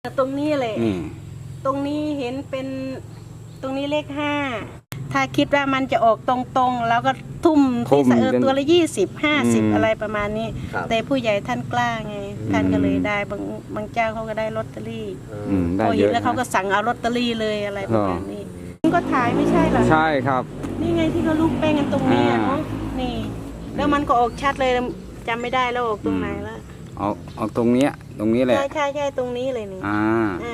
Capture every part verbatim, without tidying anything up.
ตรงนี้เลยตรงนี้เห็นเป็นตรงนี้เลขห้าถ้าคิดว่ามันจะออกตรงๆแล้วก็ทุ่มที่เออตัวละยี่สิบห้าสิบอะไรประมาณนี้แต่ผู้ใหญ่ท่านกล้าไงท่านก็เลยได้บางบางเจ้าเขาก็ได้ลอตเตอรี่พอเห็นแล้วเขาก็สั่งเอาลอตเตอรี่เลยอะไรประมาณนี้ก็ถ่ายไม่ใช่เหรอใช่ครับนี่ไงที่เขาลูกแป้งกันตรงนี้เนาะนี่แล้วมันก็ออกชัดเลยจำไม่ได้แล้วออกตรงไหนแล้วออกออกตรงนี้ตรงนี้แหละใช่ใช่ใช่ตรงนี้เลยนี่อ่า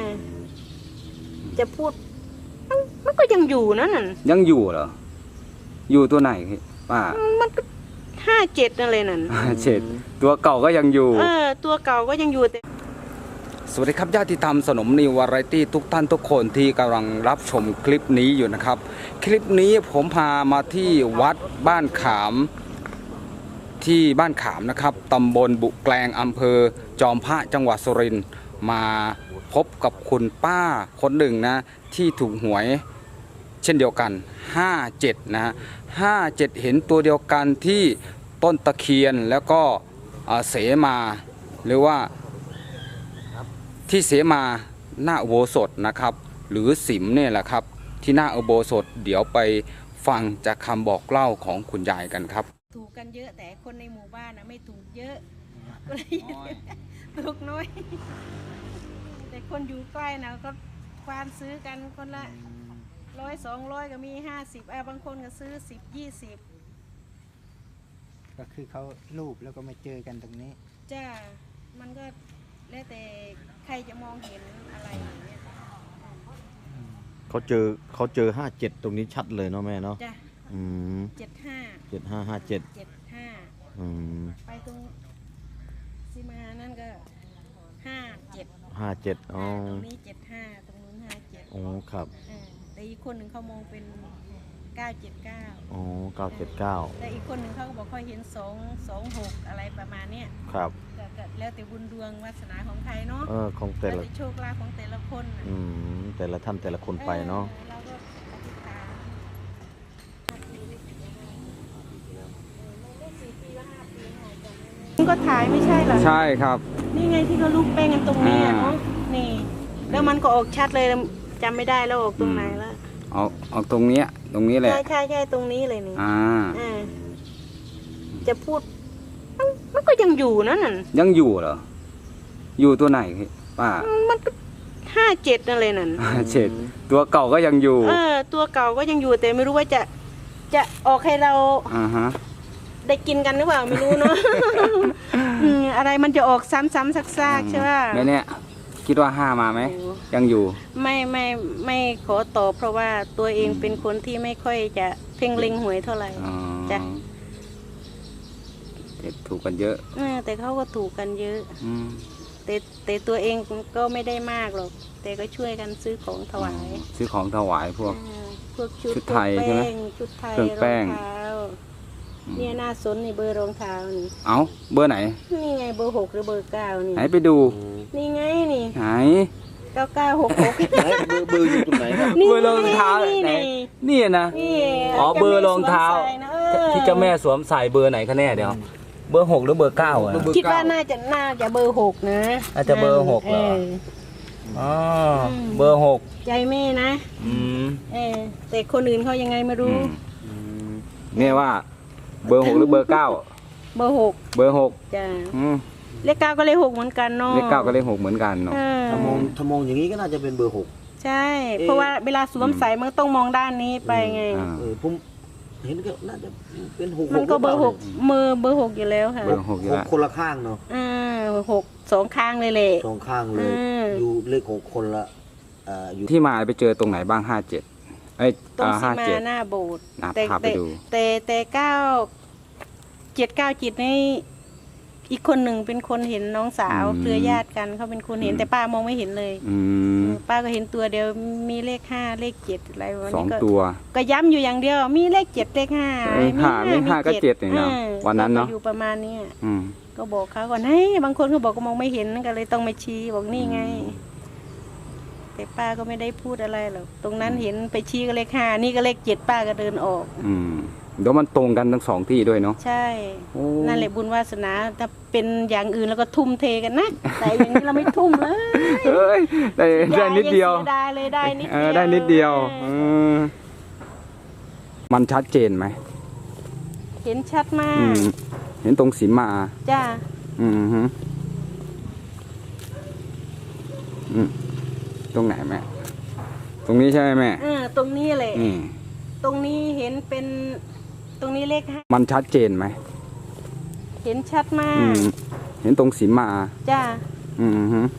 จะพูดมันก็ยังอยู่นั่นน่ะยังอยู่เหรออยู่ตัวไหนป้ามันก็ห้าเจ็ดนั่นเลยนั่นห้าเจ็ดตัวเก่าก็ยังอยู่เออตัวเก่าก็ยังอยู่แต่สวัสดีครับญาติธรรมสนมนิววาไรตี้ทุกท่านทุกคนที่กำลังรับชมคลิปนี้อยู่นะครับคลิปนี้ผมพามาที่วัดบ้านขามที่บ้านขามนะครับตำบลบุแกลงอำเภอจอมพระจังหวัดสุรินทร์มาพบกับคุณป้าคนหนึ่งนะที่ถูกหวยเช่นเดียวกันห้าเจ็ดนะห้าเจ็ดเห็นตัวเดียวกันที่ต้นตะเคียนแล้วก็เสมาหรือว่าที่เสมาหน้าอุโบสถนะครับหรือสิมเนี่ยแหละครับที่หน้าอุโบสถเดี๋ยวไปฟังจากคำบอกเล่าของคุณยายกันครับถูกกันเยอะแต่คนในหมู่บ้านนะไม่ถูกเยอะก็เลยถูกน้อยแต่คนอยู่ใกล้นะก็ควานซื้อกันคนละร้อยสองร้อยก็มีห้าสิบอ่ะบางคนก็ซื้อสิบยี่สิบก็คือเขารูปแล้วก็มาเจอกันตรงนี้จ้ามันก็แล้วแต่ใครจะมองเห็นอะไรอย่างเงี้ยเขาเจอเขาเจอห้าเจ็ดตรงนี้ชัดเลยเนาะแม่เนาะจ้ะอืมเจ็ดห้าเจ็ดห้าห้าเจ็ดเจ็ดห้าอืมไปตรงซีมานั่นก็ห้าเจ็ดห้าเจ็ดอ๋อตรงนี้เจ็ดห้าตรงนู้นห้าเจ็ดโอ้ครับแต่อีกคนหนึ่งเขามองเป็นเก้าเจ็ดเก้าอ๋อเก้าเจ็ดเก้าแต่อีกคนหนึ่งเขาก็บอกเขาเห็นสองสองหกอะไรประมาณเนี้ยครับก็แล้วแต่บุญดวงวาสนาของใครเนาะเออของแต่ละโชคลาภของแต่ละคนอืมแต่ละท่านแต่ละคนไปเนาะเราก็อธิษฐานก็ถ่ายไม่ใช่เหรอใช่ครับนี่ไงที่เขาลูกแป้งกันตรงนี้เนาะนี่แล้วมันก็ออกชัดเลยจำไม่ได้แล้วออกตรงไหนแล้วออกออกตรงนี้ตรงนี้แหละใช่ใช่ใช่ตรงนี้เลยนี่อ่าจะพูดมันก็ยังอยู่นั่นน่ะยังอยู่เหรออยู่ตัวไหนป้ามันก็ห้าเจ็ดนั่นเลยนั่นห้าเจ็ดตัวเก่าก็ยังอยู่เออตัวเก่าก็ยังอยู่แต่ไม่รู้ว่าจะจะออกให้เราอ่าฮะได้กินกันหรือเปล่าไม่รู้เนาะ อะไรมันจะออกซ้ำๆซักๆใช่ไหมไม่เนี่ยคิดว่าห้ามาไหมยังอยู่ไม่ไม่ไม่ขอตอบเพราะว่าตัวเองเป็นคนที่ไม่ค่อยจะเพ่งเล็งหวยเท่าไหร่จ้ะถูกกันเยอะแต่เขาก็ถูกกันเยอะแต่แต่ตัวเองก็ไม่ได้มากหรอกแต่ก็ช่วยกันซื้อของถวายซื้อของถวายพวกพวกชุดไทยใช่ไหมชุดไทยเครื่องแป้งเนี่ยหน้าสนนี่เบอร์รองเท้านี่เอ้าเบอร์ไหนนี่ไงเบอร์หกหรือเบอร์เก้านี่ไหนไปดูนี่ไงนี่ไหนเก้าเก้าหกหกเบอร์อยู่ตรงไหนครับเบอร์รองเท้าไหนนี่นะอ๋อเบอร์รองเท้าที่เจ้าแม่สวมใส่เบอร์ไหนคะแน่เดี๋ยวเบอร์หกหรือเบอร์เก้าอ่ะคิดว่าน่าจะน่าจะเบอร์หกนะอาจจะเบอร์หกเหรออ๋อเบอร์หกใจแม่นะอืมเออแต่คนอื่นเขายังไงไม่รู้แม่ว่าเบอร์หกหรือเบอร์เก้าเบอร์หกเบอร์หกจ้าเลขเก้าก็เลขหกเหมือนกันเนาะเลขเก้าก็เลขหกเหมือนกันเนาะถ้ามองถ้ามองอย่างนี้ก็น่าจะเป็นเบอร์หกใช่เพราะว่าเวลาสวมใส่มันต้องมองด้านนี้ไปไงเออผมเห็นก็น่าจะเป็นหกมันก็เบอร์หกมือเบอร์หกอยู่แล้วค่ะเบอร์หกอยู่แล้วคนละข้างเนาะอ่าหกสองข้างเลยแหละสองข้างเลยอยู่เลขหกคนละอ่าอยู่ที่มาไปเจอตรงไหนบ้างห้าเจ็ดไอ้ตรงซีมาหน้าโบสถ์แต่แต่แต่แต่เก้าเจ็ดเก้าจิตนี่อีกคนหนึ่งเป็นคนเห็นน้องสาวเครือญาติกันเขาเป็นคนเห็นแต่ป้ามองไม่เห็นเลยป้าก็เห็นตัวเดียวมีเลขห้าเลขเจ็ดอะไรวันนี้ก็ตัวก็ย้ำอยู่อย่างเดียวมีเลขเจ็ดเลขห้ามีห้ามีห้าก็เจ็ดเนาะวันนั้นเนาะอยู่ประมาณนี้ก็บอกเขาก่อนให้บางคนเขาบอกก็มองไม่เห็นก็เลยต้องมาชี้บอกนี่ไงแต่ป้าก็ไม่ได้พูดอะไรหรอกตรงนั้นเห็นไปชี้ก็เลขห้านี่ก็เลขเจ็ดป้าก็เดินออกเดี๋ยวมันตรงกันทั้งสองที่ด้วยเนาะใช่โอ้นั่นแหละบุญวาสนาถ้าเป็นอย่างอื่นแล้วก็ทุ่มเทกันนะ แต่อย่างนี้เราไม่ทุ่มเลยเอ้ยได้ได้นิดเดียวงสีดายเลยได้นิดเอเดีอยวได้นิดเดียวเออมันชัดเจนไหมเห็นชัดมาอืกมเห็นตรงสีมาจ้าอืมฮึอืมตรงไหนแม่ตรงนี้ใช่ไหมแม่เออตรงนี้เลยนี่ตรงนี้เห็นเป็นตรงนี้เลขห้ามันชัดเจนไหมเห็นชัดมาอืกมเห็นตรงสีมาจ้าอืมฮึ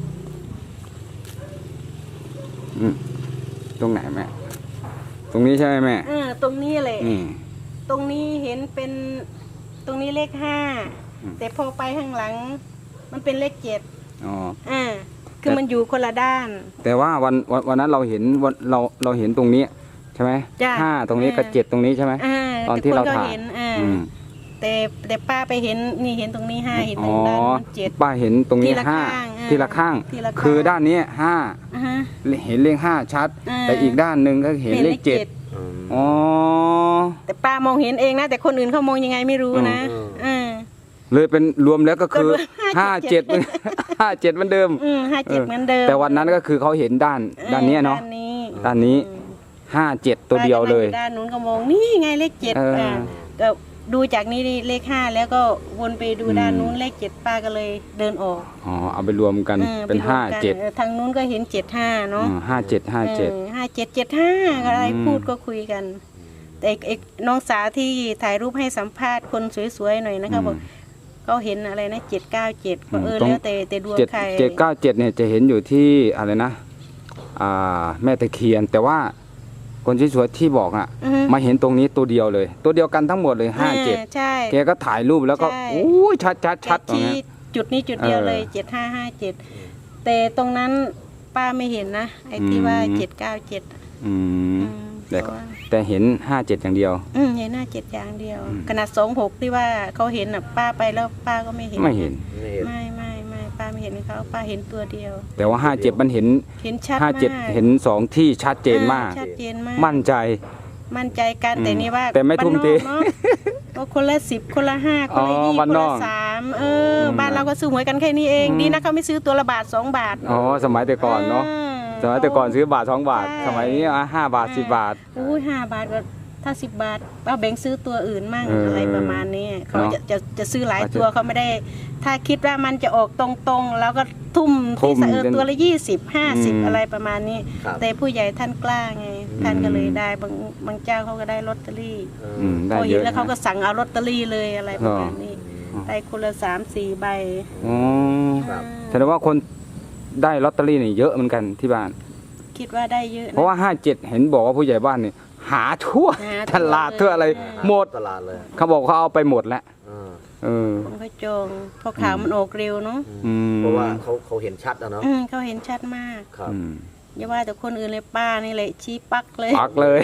อืมตรงไหนแม่ตรงนี้ใช่ไหมแม่เออตรงนี้เลยนี่ตรงนี้เห็นเป็นตรงนี้เลขห้าอืมแต่พอไปข้างหลัง มันเป็นเลขเจ็ดอ๋ออ่าคือมันอยู่คนละด้านแต่ว่าวันวันวันนั้นเราเห็นวันเราเราเห็นตรงนี้ใช่ไหมจ้ะห้าตรงนี้กับเออเจ็ดตรงนี้ใช่ไหมอ่าตอนที่แต่คเราก็ถ่ายเห็นอ่าอืมแต่แต่ป้าไปเห็นนี่เห็นตรงนี้ห้าเห็นตอ๋รองด้านนู้นเจ็ดป้าเห็นตรงนี้ทีละห้าข้างอ่าทีละข้างทีละข้างคือด้านนี้ห้าอ่าฮะเห็นเลขห้าชัดอ่าแต่อีกด้านหนึ่งก็เห็นเลขเจ็ดอ๋อแต่ป้ามองเห็นเองนะ แต่คนอื่นเขามองยังไงไม่รู้นะอืมอ่าเลยเป็นรวมแล้วก็คือก็รวมห้าห้าเจ็เจ็ดดห้าเจ็ดเหมือนเดิมอืมห้าเจ็ดเหมือนเดิมแต่วันนั้นก็คือเขาเห็นด้านด้านนี้เนาะด้านนี้ด้านนี้ห้าเจ็ดตัวเดียวเลยป้าก็นั่งอด้านนู้นก็มองนี่ไงเลขเจ็ดเอออ่อ่าก็ดูจากนี้เลขห้าแล้วก็วนไปดูอืมด้านนู้นเลขเจ็ดป้าก็เลยเดินออกอ๋อเอาไปรวมกันออเป็นไรวมห้ากันเจ็ดออทางนู้นก็เห็นเจ็ดห้าเนาะห้าเจ็ดห้าเจ็ดห้าเจ็ดเจ็ดห้าอะไรอืมพูดก็คุยกัน แต่ไอ้น้องสาวที่ถ่ายรูปให้สัมภาษณ์คนสวยๆหน่อยนะคะบอกเขาเห็นอะไรนะเจ็ดเก้าเจ็ดเออแล้วแต่แต่ดวงเจ็ดใครเจ็ดเก้าเจ็ดเนี่ยจะเห็นอยู่ที่อะไรนะอ่าแม่ตะเคียน แต่ว่าคนที่สวยที่บอกอ่ะอือฮึมาเห็นตรงนี้ตัวเดียวเลย ตัวเดียวกันทั้งหมดเลยห้าเจ็ดใช่แกก็ถ่ายรูปแล้วก็ใช่โอ้ยชัดชัดชัดตรงที่นี้จุดนี้จุดเดียวเลยเออเจ็ดห้าห้าเจ็ดแต่ตรงนั้นป้าไม่เห็นนะไอ้ที่อืมว่าเจ็ดเก้าเจ็ดอืมอืมแต่เพก็ราะว่าแต่เห็นห้าเจ็ดอย่างเดียวอืมเห็นหน้าเจ็ดอย่างเดียวอืมขนาดสองหกที่ว่าเขาเห็นอ่ะป้าไปแล้วป้าก็ไม่เห็นไม่เห็นไม่เห็นไม่ไม่ไม่ป้าไม่เห็นเขาป้าเห็นตัวเดียวแต่ว่าห้าเจ็ดมันเห็นเห็นชัดห้ามากเจ็ดเห็นสองที่ชัดเจนมากอ่ชัดเจนมากมั่นใจมั่นใจกันอืมแต่นี่ว่าแต่ไม่ทุ่มเทบ้านนอกเนาะก็คนละสิบคนละห้าคนละอ๋อยี่บ้านคนนละอกสามเอออมบ้านเราก็ซื้อหวยกันแค่นี้เองอืมดีนะเขาไม่ซื้อตัวละบาทสองบาทอ๋อสมัยแต่ก่อนเนาะ สมัยแต่ก่อนซื้อบาทสองบาทใช่สมัยนี้อ่ะห้าบาทสิบบาทอุ้ยห้าบาทก็ถ้าสิบบาทเอาแบ่งซื้อตัวอื่นมั่งเออออะไรประมาณนี้เขาเนาะจะจะจะซื้อหลายอาจจะตัวเขาไม่ได้ ถ้าคิดว่ามันจะออกตรงๆ แล้วก็ทุ่มทุ่ที่มเออตัวละยี่สิบห้าสิบอืมอะไรประมาณนี้ครับแต่ผู้ใหญ่ท่านกล้าไง ท่านก็เลยได้บางบางเจ้าเขาก็ได้ลอตเตอรี่อืมได้พอเยเห็นอะแล้วเขาก็นะสั่งเอาลอตเตอรี่เลยอะไรประมาณนี้อ๋อได้คนละสามสี่ใบอ๋อครับแสดงว่าคนได้ลอตเตอรี่นี่เยอะเหมือนกันที่บ้านคิดว่าได้เยอะนเพราะว่าห้าเจ็ดเห็นบอกว่าผู้ใหญ่บ้านนี่หาทั่วหาตลาดทั่วอะไรเลยหมดตลาดเลยเขาบอกเขาเอาไปหมดแล้วอ่าเออคนเขาจองเพราะข่าวมันออกเร็วเนาะอืมเพราะว่าเขาเขาเห็นชัดอะเนาะอืมเขาเห็นชัดมากครับอืมอย่าว่าแต่คนอื่นเลยป้านี่เลยชี้ปักเลยปักเลย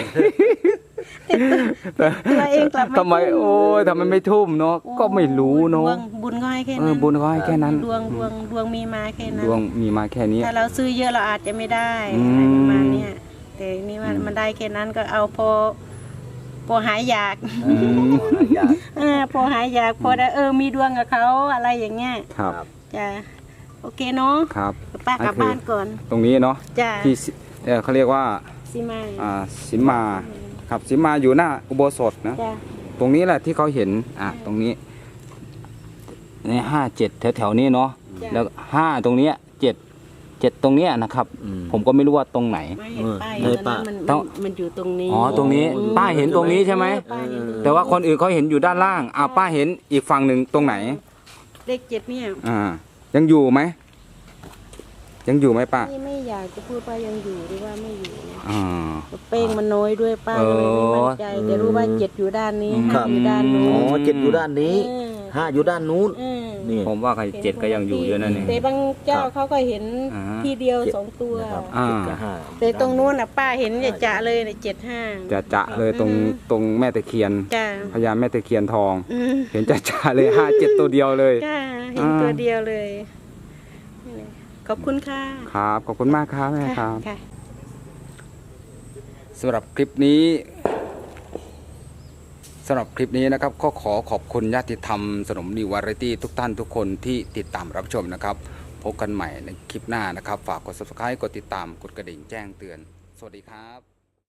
ตัวเองกลับไม่ทำไมทุ่มโอ้ยทำไมไม่ทุ่มเนาะก็ไม่รู้เนาะดวงบุญก็ให้แค่เอนั้อน บุญเขาให้แค่นั้นดวงดวงดวงมีมาแค่นั้นดวงมีมาแค่นี้ถ้าเราซื้อเยอะเราอาจจะไม่ได้อืมอะไรประมาณเนี้ยแต่นี่ว่าอืมมันได้แค่นั้นก็เอาพอพอหายอยากอืมอยากเออพอหายอยากพอได้เออมีดวงกับเขาอะไรอย่างเงี้ยครับจ้ะโอเคเนาะครับป้ากลับบ้านก่อนตรงนี้เนาะจ้ะที่สิเอ่อเขาเรียกว่าสิมาอ่าสิมมาครับสิมมาอยู่หน้าอุโบสถนะจ้ะตรงนี้แหละที่เขาเห็นอ่ะตรงนี้ในห้าเจ็ดแถวๆนี้เนาะจ้ะแล้วห้าตรงเนี้ยเจ็ดเจ็ดตรงเนี้ยนะครับอืมผมก็ไม่รู้ว่าตรงไหนไม่เห็นป้ายเออตอนนั้นมันต้มัองนมันอยู่ตรงนี้อ๋อตรงนี้อืมป้าเห็นตรงนี้ใช่ไหมป้าเห็นตรงนี้แต่ว่าคนอื่นเขาเห็นอยู่ด้านล่างอ่าป้าเห็นอีกฝั่งหนึ่งตรงไหนเลขเจ็ดเนี่ยอ่า ยังอยู่ไหมยังอยู่ไหมป้าไม่ไม่อยากจะพูดว่ายังอยู่หรือว่าไม่อยู่นะอ่าเป้งมันน้อยด้วยป้าก็เลยไม่มั่นใจเออแต่รู้ว่าเจ็ดอยู่ด้านนี้ครัห้าบอยู่ด้านนู้อ๋นอเจ็ดอยู่ด้านนี้เออห้าอยู่ด้านนู้นเออนี่ผมว่าใครเจ็ดก็ยังอยู่เยอะนั่นเองแต่บางเจ้าครับเขาก็เห็นอ่าทีเดียวสองตัวนะครับอ่าเจ็ดกับห้าแต่ตรงนู้นน่ะป้าเห็นจะจะเลยเนี่ยเจ็ดห้าจะจะเลยตรงอืมตรงแม่ตะเคียนจ้าพญาแม่ตะเคียนทองอืมเห็นจะจะเลยห้าเจ็ดตัวเดียวเลยจ้าเห็นตัวเดียวเลยนี่แหละขอบคุณค่ะครับขอบคุณมากครับแม่ครับค่ะสำหรับคลิปนี้สำหรับคลิปนี้นะครับก็ขอขอบคุณญาติธรรมสนมนิววาไรตี้ทุกท่านทุกคนที่ติดตามรับชมนะครับพบกันใหม่ในคลิปหน้านะครับฝากกด ซับสไครบ์ กดติดตามกดกระดิ่งแจ้งเตือนสวัสดีครับ